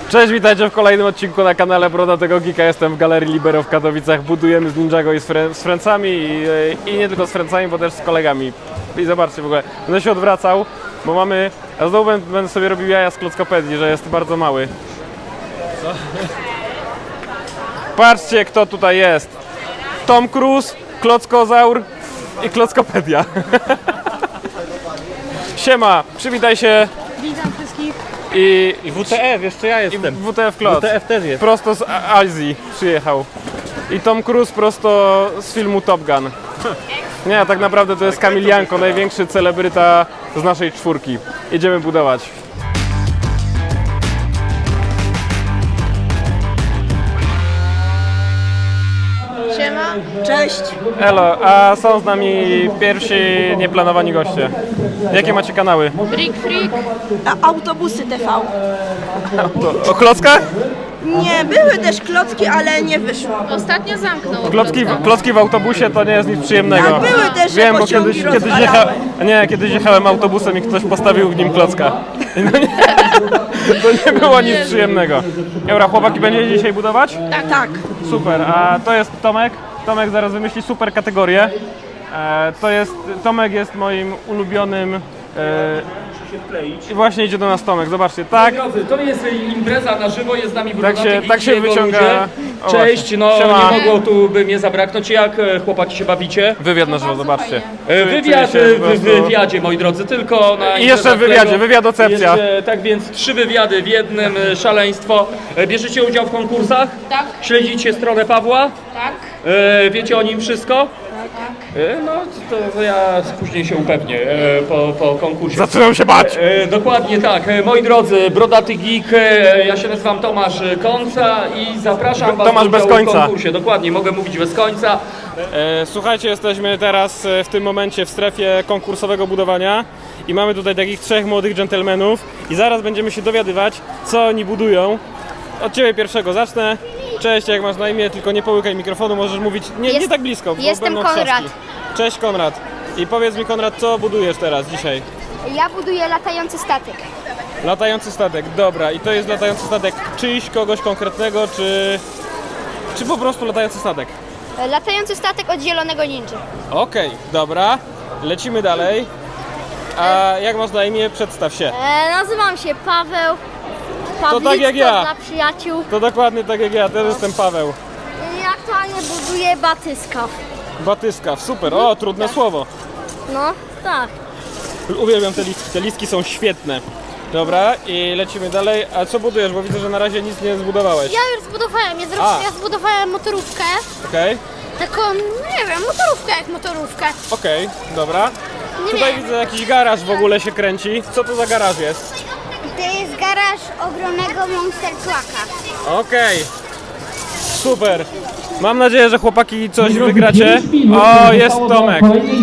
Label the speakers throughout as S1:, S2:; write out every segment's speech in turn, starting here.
S1: Cześć, witajcie w kolejnym odcinku na kanale Brodatego Geeka. Jestem w Galerii Libero w Katowicach. Budujemy z Ninjago i z Francami i nie tylko z Francami, bo też z kolegami. I zobaczcie w ogóle, będę się odwracał, bo mamy... Ja znowu będę sobie robił jaja z klockopedii, że jest bardzo mały. Co? Patrzcie, kto tutaj jest. Tom Cruise, klockozaur i klockopedia. Siema, przywitaj się.
S2: Witam wszystkich.
S1: I
S3: WTF, jeszcze ja jestem.
S1: WTF Klotz.
S3: WTF też jest.
S1: Prosto z Azji przyjechał. I Tom Cruise prosto z filmu Top Gun. Nie, tak naprawdę to jest Kamil Janko, największy celebryta z naszej czwórki. Idziemy budować.
S2: Siema. Cześć.
S1: Elo, a są z nami pierwsi nieplanowani goście. Jakie macie kanały?
S2: Brick Freak. Autobusy TV.
S1: O klockach?
S4: Nie, były też klocki, ale nie wyszło.
S2: Ostatnio zamknął.
S1: Klocki w autobusie to nie jest nic przyjemnego.
S4: Tak, były też, że
S1: Wiem, bo
S4: pociągi
S1: kiedyś jechałem autobusem i ktoś postawił w nim klocka. No nie, to nie było nic przyjemnego. Dobra, chłopaki, będziecie dzisiaj budować?
S4: Tak.
S1: Super, a to jest Tomek. Tomek zaraz wymyśli super kategorię. Tomek jest moim ulubionym. I właśnie idzie do nas Tomek, zobaczcie, tak.
S3: Drodzy, to jest impreza na żywo, jest z nami
S1: Tak się wyciąga. O,
S3: Cześć,
S1: właśnie.
S3: no
S1: Siema.
S3: nie mogło tu by mnie zabraknąć. Jak chłopaki się bawicie?
S1: Wywiad na żywo, zobaczcie.
S3: Wywiad
S1: Czuję się po
S3: w
S1: prostu-
S3: wywiadzie, moi drodzy, tylko na
S1: I jeszcze w
S3: imprezach
S1: wywiadzie,
S3: Lego.
S1: wywiadocepcja.
S3: Tak więc 3 wywiady w jednym, szaleństwo. Bierzecie udział w konkursach?
S2: Tak.
S3: Śledzicie stronę Pawła?
S2: Tak.
S3: Wiecie o nim wszystko? No to ja później się upewnię po konkursie.
S1: Zaczynam się bać!
S3: Dokładnie tak. Moi drodzy, Brodaty Geek, ja się nazywam Tomasz Końca i zapraszam Was
S1: Tomasz
S3: do
S1: bez
S3: udziału w
S1: końca.
S3: konkursie. Dokładnie, mogę mówić bez końca.
S1: Słuchajcie, jesteśmy teraz w tym momencie w strefie konkursowego budowania i mamy tutaj takich 3 młodych dżentelmenów i zaraz będziemy się dowiadywać, co oni budują. Od Ciebie pierwszego zacznę. Cześć, jak masz na imię, tylko nie połykaj mikrofonu, możesz mówić nie tak blisko, bo
S5: Jestem
S1: będą
S5: Konrad.
S1: trzaski. Cześć Konrad. I powiedz mi Konrad, co budujesz teraz, dzisiaj?
S5: Ja buduję latający statek.
S1: Latający statek, dobra. I to jest latający statek czyjś, kogoś konkretnego, czy po prostu latający statek?
S5: Latający statek od Zielonego Ninja.
S1: Okej, dobra. Lecimy dalej. A jak masz na imię? Przedstaw się.
S5: Nazywam się Paweł.
S1: To tak jak ja.
S5: Dla przyjaciół.
S1: To dokładnie tak jak ja, też jestem Paweł.
S5: Ja aktualnie buduję batyskaw.
S1: Batyskaw, super. O, trudne słowo.
S5: No, tak.
S1: Uwielbiam te listki, te listki są świetne. Dobra, i lecimy dalej. A co budujesz? Bo widzę, że na razie nic nie zbudowałeś.
S5: Ja już zbudowałem, ja zbudowałem motorówkę.
S1: Okej,
S5: Taką, nie wiem, motorówkę jak motorówkę.
S1: okej, dobra.
S5: Nie
S1: Tutaj
S5: wiem.
S1: widzę jakiś garaż w ogóle się kręci. Co to za garaż jest?
S5: To jest garaż ogromnego Monster Trucka.
S1: Okej. Super. Mam nadzieję, że chłopaki coś wygracie. O, jest Tomek.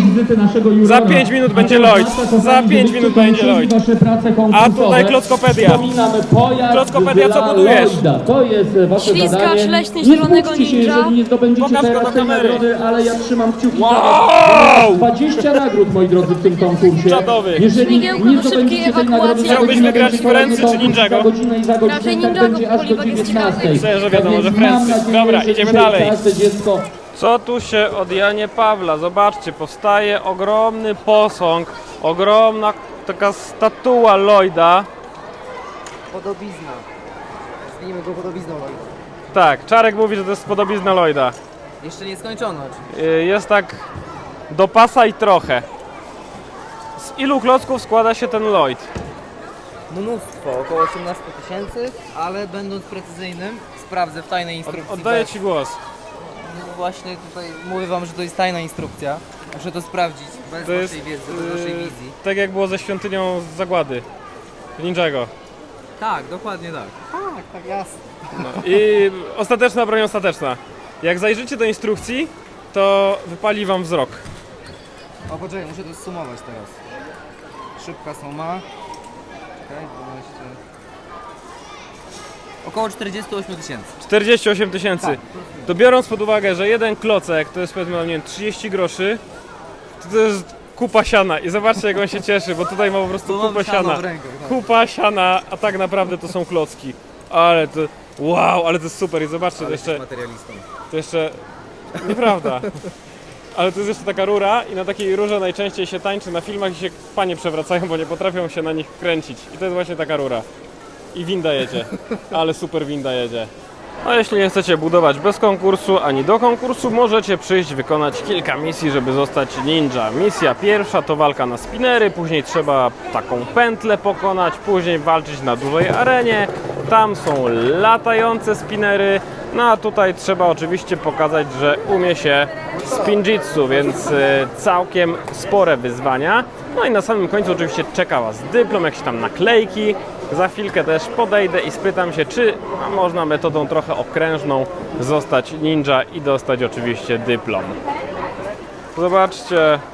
S1: Za 5 minut będzie Lloyd. Za 5 minut będzie Lloyd. A tutaj klockopedia. Klockopedia, co budujesz?
S6: To jest wasze
S2: Ślizgacz
S6: zadanie.
S2: leśny
S6: Nie
S2: Zielonego
S6: smućcie się,
S2: Ninja.
S6: jeżeli nie zdobędziecie
S1: Pokaż go
S6: teraz
S1: do
S6: tej
S1: kamery.
S6: nagrody, ale ja trzymam kciuki za
S1: Wow!
S6: was. 20 nagród, moi drodzy, w tym konkursie.
S1: Czadowy.
S6: Jeżeli
S2: Śmigiełko
S6: nie
S2: do
S6: zdobędziecie
S2: szybkiej
S6: tej nagrody
S2: ewakuacji.
S6: za
S1: Chciałbyś
S6: godzinę,
S1: wygrać
S6: będzie
S1: w Frenzy
S6: kolejny
S1: czy Ninjago?
S6: konkurs za godzinę i za godzinę,
S2: Raczej
S6: i tak
S2: Ninjago,
S6: będzie aż do
S2: poliwag jest
S6: 19.
S2: ciekawy.
S1: Myślę, że wiadomo,
S6: Tak
S1: że
S6: więc mam
S1: Frenzy.
S6: nadzieję,
S1: Dobra,
S6: że
S1: idziemy
S6: dzisiaj
S1: dalej.
S6: każde dziecko
S1: Co tu się od Janie Pawla? Zobaczcie, powstaje ogromny posąg, ogromna taka statua Lloyda.
S7: Podobizna. Nazwijmy go podobizną Lloyda.
S1: Tak, Czarek mówi, że to jest podobizna Lloyda.
S7: Jeszcze nie skończono oczywiście.
S1: Jest tak do pasa i trochę. Z ilu klocków składa się ten Lloyd?
S7: Mnóstwo, około 18 000, ale będąc precyzyjnym, sprawdzę w tajnej instrukcji.
S1: Oddaję Ci głos.
S7: No właśnie tutaj mówię wam, że to jest tajna instrukcja. Muszę to sprawdzić bez
S1: To jest
S7: waszej wiedzy, bez waszej wizji.
S1: tak jak było ze świątynią z Zagłady w Ninjago.
S7: Tak, dokładnie tak. Tak, jasne.
S1: No. I ostateczna broń ostateczna. Jak zajrzycie do instrukcji, to wypali Wam wzrok.
S7: O poczekaj, muszę to zsumować teraz. Szybka suma. Czekaj, 12. Około 48 000.
S1: 48 000. To biorąc pod uwagę, że jeden klocek to jest powiedzmy, nie wiem, 30 groszy, to jest kupa siana i zobaczcie jak on się cieszy, bo tutaj ma po prostu
S7: Tu mam
S1: kupę
S7: siano
S1: siana.
S7: w rękach, tak.
S1: Kupa siana, a tak naprawdę to są klocki. Ale to... Wow, ale to jest super i zobaczcie,
S7: Ale jesteś materialistą.
S1: to jeszcze... Nieprawda. Ale to jest jeszcze taka rura i na takiej rurze najczęściej się tańczy na filmach i się panie przewracają, bo nie potrafią się na nich kręcić. I to jest właśnie taka rura. I winda jedzie. Ale super winda jedzie. A jeśli nie chcecie budować bez konkursu ani do konkursu, możecie przyjść wykonać kilka misji, żeby zostać ninja. Misja pierwsza to walka na spinery, później trzeba taką pętlę pokonać, później walczyć na dużej arenie. Tam są latające spinery, no a tutaj trzeba oczywiście pokazać, że umie się spinjitsu, więc całkiem spore wyzwania. No i na samym końcu oczywiście czeka Was dyplom, jakieś tam naklejki. Za chwilkę też podejdę i spytam się, czy można metodą trochę okrężną zostać ninja i dostać oczywiście dyplom. Zobaczcie.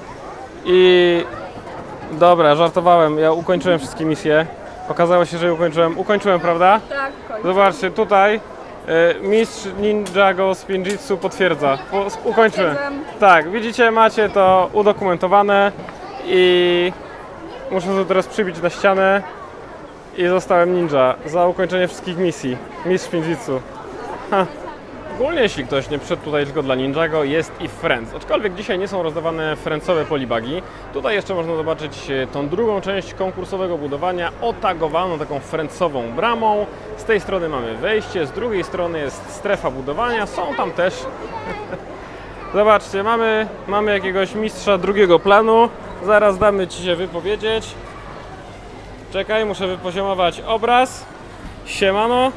S1: I dobra, żartowałem, ja ukończyłem wszystkie misje. Okazało się, że ukończyłem, prawda?
S2: Tak,
S1: Zobaczcie, tutaj mistrz Ninjago Spinjitsu potwierdza. Ukończyłem. Tak, widzicie, macie to udokumentowane i muszę to teraz przybić na ścianę. I zostałem ninja za ukończenie wszystkich misji. Mistrz Spinjitsu. Ogólnie jeśli ktoś nie przyszedł tutaj tylko dla Ninjago, jest i Friends. Aczkolwiek dzisiaj nie są rozdawane friendsowe polibagi. Tutaj jeszcze można zobaczyć tą drugą część konkursowego budowania, otagowaną taką friendsową bramą. Z tej strony mamy wejście, z drugiej strony jest strefa budowania. Są tam też... Zobaczcie, mamy jakiegoś mistrza drugiego planu. Zaraz damy Ci się wypowiedzieć. Czekaj, muszę wypoziomować obraz. Siemano.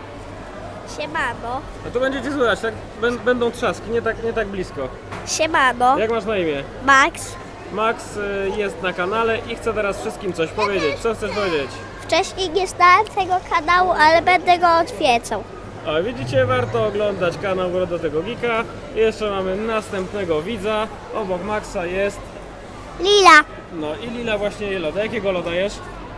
S5: Siemano.
S1: A tu będziecie słychać, tak? Będą trzaski, nie tak blisko.
S5: Siemano.
S1: Jak masz na imię?
S5: Max.
S1: Max jest na kanale i chce teraz wszystkim coś powiedzieć. Co chcesz powiedzieć?
S5: Wcześniej nie znałem tego kanału, ale będę go odwiedzał.
S1: A widzicie, warto oglądać kanał Brodatego Geeka. Jeszcze mamy następnego widza. Obok Maxa jest...
S5: Lila.
S1: No i Lila właśnie je loda. Jakiego loda jesz?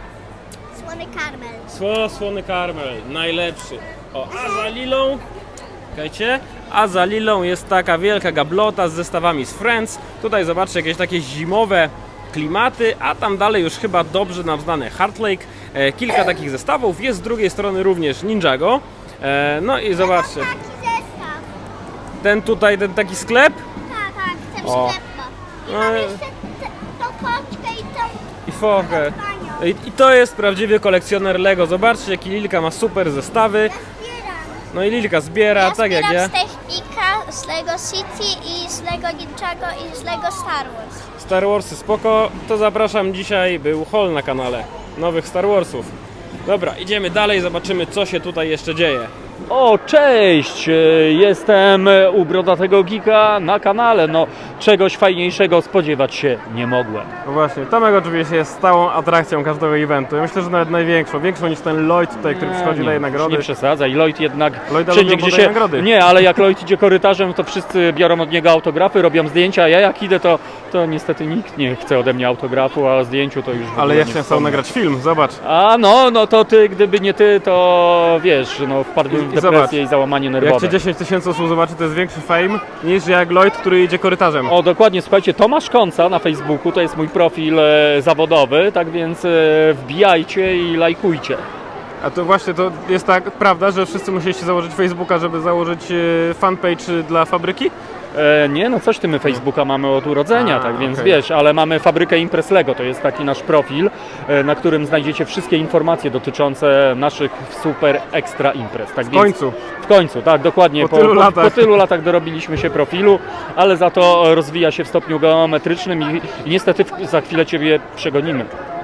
S5: Słony karmel.
S1: Słony karmel, najlepszy. O, a za Lilą, czekajcie, a za Lilą jest taka wielka gablota z zestawami z Friends. Tutaj zobaczcie jakieś takie zimowe klimaty, a tam dalej już chyba dobrze nam znany Heart Lake. Kilka takich zestawów, jest z drugiej strony również Ninjago. No i zobaczcie,
S5: Taki zestaw.
S1: ten tutaj, ten taki sklep.
S5: Tak, ten
S1: O.
S5: sklep ma. I
S1: No
S5: mam
S1: i-
S5: jeszcze tą foczkę i tą
S1: I fochę.
S5: panią.
S1: I to jest prawdziwy kolekcjoner Lego. Zobaczcie, jaki Lilka ma super zestawy.
S5: Zbieram.
S1: No i Lilka zbiera, tak jak ja.
S5: z Technika, z Lego City i z Lego Ninjago i z Lego Star Wars.
S1: Star Warsy spoko, to zapraszam, dzisiaj był haul na kanale nowych Star Warsów. Dobra, idziemy dalej, zobaczymy co się tutaj jeszcze dzieje.
S3: O, cześć! Jestem u Brodatego Geeka na kanale. No, czegoś fajniejszego spodziewać się nie mogłem.
S1: No właśnie, Tomek oczywiście jest stałą atrakcją każdego eventu. Ja myślę, że nawet największą, większą niż ten Lloyd tutaj, który przychodzi, daje nagrody.
S3: Nie przesadzaj, Lloyd jednak
S1: Lloyda
S3: wszędzie
S1: lubią,
S3: gdzie
S1: bo
S3: się...
S1: daje nagrody.
S3: Nie, ale jak Lloyd idzie korytarzem, to wszyscy biorą od niego autografy, robią zdjęcia, a ja jak idę, to niestety nikt nie chce ode mnie autografu, a o zdjęciu to już w
S1: Ale
S3: ogóle
S1: ja
S3: nie
S1: chciałem sam
S3: wspomnę.
S1: nagrać film, zobacz.
S3: A no to ty, gdyby nie ty, to wiesz, no wpadłbym w
S1: I zobacz,
S3: depresję i załamanie
S1: Jak
S3: nerwowe.
S1: cię 10 000 osób zobaczy, to jest większy fame niż jak Lloyd, który idzie korytarzem.
S3: O, dokładnie, słuchajcie, Tomasz Konca na Facebooku, to jest mój profil zawodowy, tak więc wbijajcie i lajkujcie.
S1: A to właśnie to jest tak, prawda, że wszyscy musieliście założyć Facebooka, żeby założyć fanpage dla fabryki?
S3: Nie, no coś ty, my Facebooka mamy od urodzenia,
S1: A,
S3: tak więc
S1: okej.
S3: wiesz, ale mamy fabrykę Imprez Lego, to jest taki nasz profil, na którym znajdziecie wszystkie informacje dotyczące naszych super ekstra imprez. Tak
S1: W końcu.
S3: W końcu, tak, dokładnie.
S1: Po tylu latach.
S3: Po tylu latach dorobiliśmy się profilu, ale za to rozwija się w stopniu geometrycznym i niestety za chwilę ciebie przegonimy.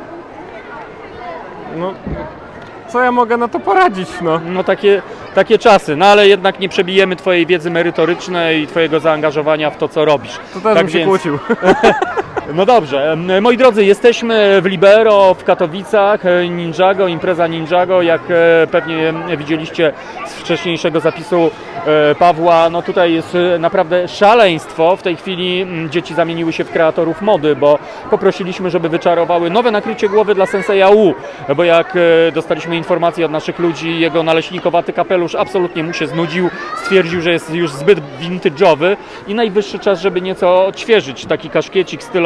S1: No, co ja mogę na to poradzić, no?
S3: No takie czasy, no ale jednak nie przebijemy twojej wiedzy merytorycznej i twojego zaangażowania w to, co robisz.
S1: To też
S3: Tak
S1: bym się
S3: więc-
S1: kłócił.
S3: No dobrze, moi drodzy, jesteśmy w Libero w Katowicach, Ninjago, impreza Ninjago, jak pewnie widzieliście z wcześniejszego zapisu Pawła, no tutaj jest naprawdę szaleństwo. W tej chwili dzieci zamieniły się w kreatorów mody, bo poprosiliśmy, żeby wyczarowały nowe nakrycie głowy dla Senseja U, bo jak dostaliśmy informację od naszych ludzi, jego naleśnikowaty kapelusz absolutnie mu się znudził, stwierdził, że jest już zbyt vintage'owy i najwyższy czas, żeby nieco odświeżyć taki kaszkiecik stylowy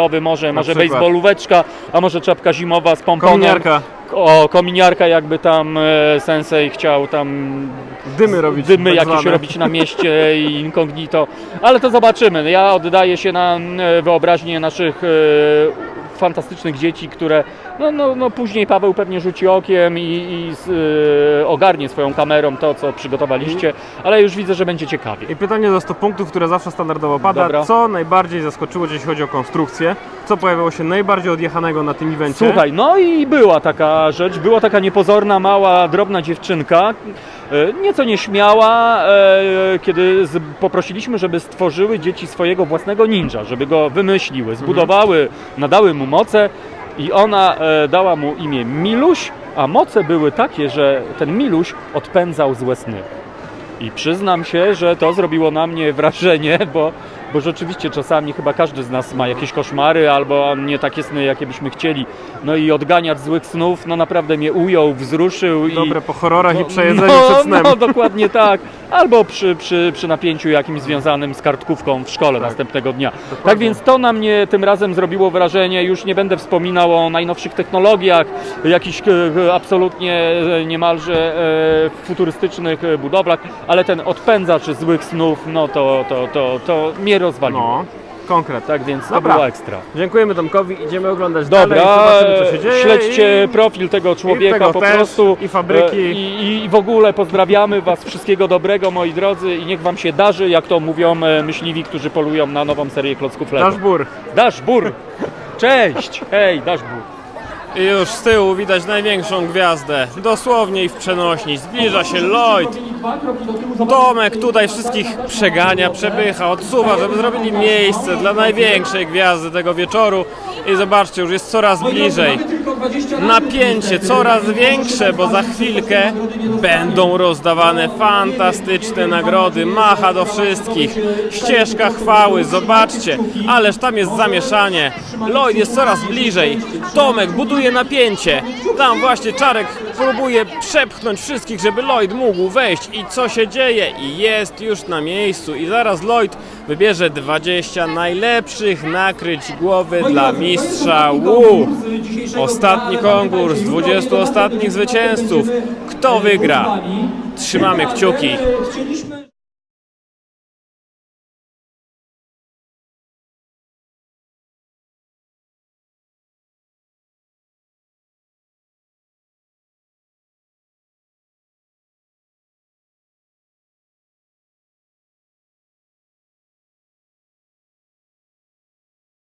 S3: zimowy, może
S1: przykład.
S3: bejsbolóweczka, a może czapka zimowa z pomponem.
S1: Kominiarka.
S3: O, kominiarka, jakby tam sensei chciał tam
S1: Dymy robić.
S3: dymy
S1: tak
S3: jakieś
S1: zwane.
S3: robić na mieście i incognito, ale to zobaczymy. Ja oddaję się na wyobraźnię naszych fantastycznych dzieci, które no później Paweł pewnie rzuci okiem i ogarnie swoją kamerą to, co przygotowaliście, ale już widzę, że będzie ciekawie.
S1: I pytanie za 100 punktów, które zawsze standardowo pada.
S3: Dobra.
S1: Co najbardziej zaskoczyło, jeśli chodzi o konstrukcję? Co pojawiło się najbardziej odjechanego na tym evencie?
S3: Słuchaj, no i była taka rzecz, była taka niepozorna, mała, drobna dziewczynka, nieco nieśmiała, kiedy poprosiliśmy, żeby stworzyły dzieci swojego własnego ninja, żeby go wymyśliły, zbudowały, nadały mu moce i ona dała mu imię Miluś, a moce były takie, że ten Miluś odpędzał złe sny. I przyznam się, że to zrobiło na mnie wrażenie, bo rzeczywiście czasami chyba każdy z nas ma jakieś koszmary albo nie takie sny, jakie byśmy chcieli. No i odganiacz złych snów, no naprawdę mnie ujął, wzruszył.
S1: Dobre po horrorach i przejedzeniu
S3: no,
S1: przed snem.
S3: No, dokładnie tak. Albo przy napięciu jakimś związanym z kartkówką w szkole następnego dnia. Tak więc to na mnie tym razem zrobiło wrażenie. Już nie będę wspominał o najnowszych technologiach, jakichś absolutnie niemalże futurystycznych budowlach, ale ten odpędzacz złych snów, no to mnie rozwaliło.
S1: No, konkret.
S3: Tak więc to
S1: Dobra.
S3: było ekstra.
S1: Dziękujemy Tomkowi, idziemy oglądać dalej,
S3: Dobra,
S1: zobaczymy, co się dzieje.
S3: śledźcie profil tego człowieka
S1: tego
S3: po
S1: też,
S3: prostu.
S1: i fabryki.
S3: I w ogóle pozdrawiamy Was, wszystkiego dobrego, moi drodzy, i niech Wam się darzy, jak to mówią myśliwi, którzy polują na nową serię klocków Lego.
S1: Dashbur.
S3: Dashbur! Cześć! Hej, Dashbur!
S1: I już z tyłu widać największą gwiazdę, dosłownie i w przenośni. Zbliża się Lloyd. Tomek tutaj wszystkich przegania, przepycha, odsuwa, żeby zrobili miejsce dla największej gwiazdy tego wieczoru. I zobaczcie, już jest coraz bliżej. Napięcie coraz większe, bo za chwilkę będą rozdawane fantastyczne nagrody. Macha do wszystkich. Ścieżka chwały, zobaczcie. Ależ tam jest zamieszanie. Lloyd jest coraz bliżej. Tomek buduje napięcie. Tam właśnie Czarek próbuje przepchnąć wszystkich, żeby Lloyd mógł wejść. I co się dzieje? I jest już na miejscu. I zaraz Lloyd wybierze 20 najlepszych nakryć głowy dla mistrza Wu. Ostatni konkurs, 20 ostatnich zwycięzców. Kto wygra? Trzymamy kciuki.
S6: Chcieliśmy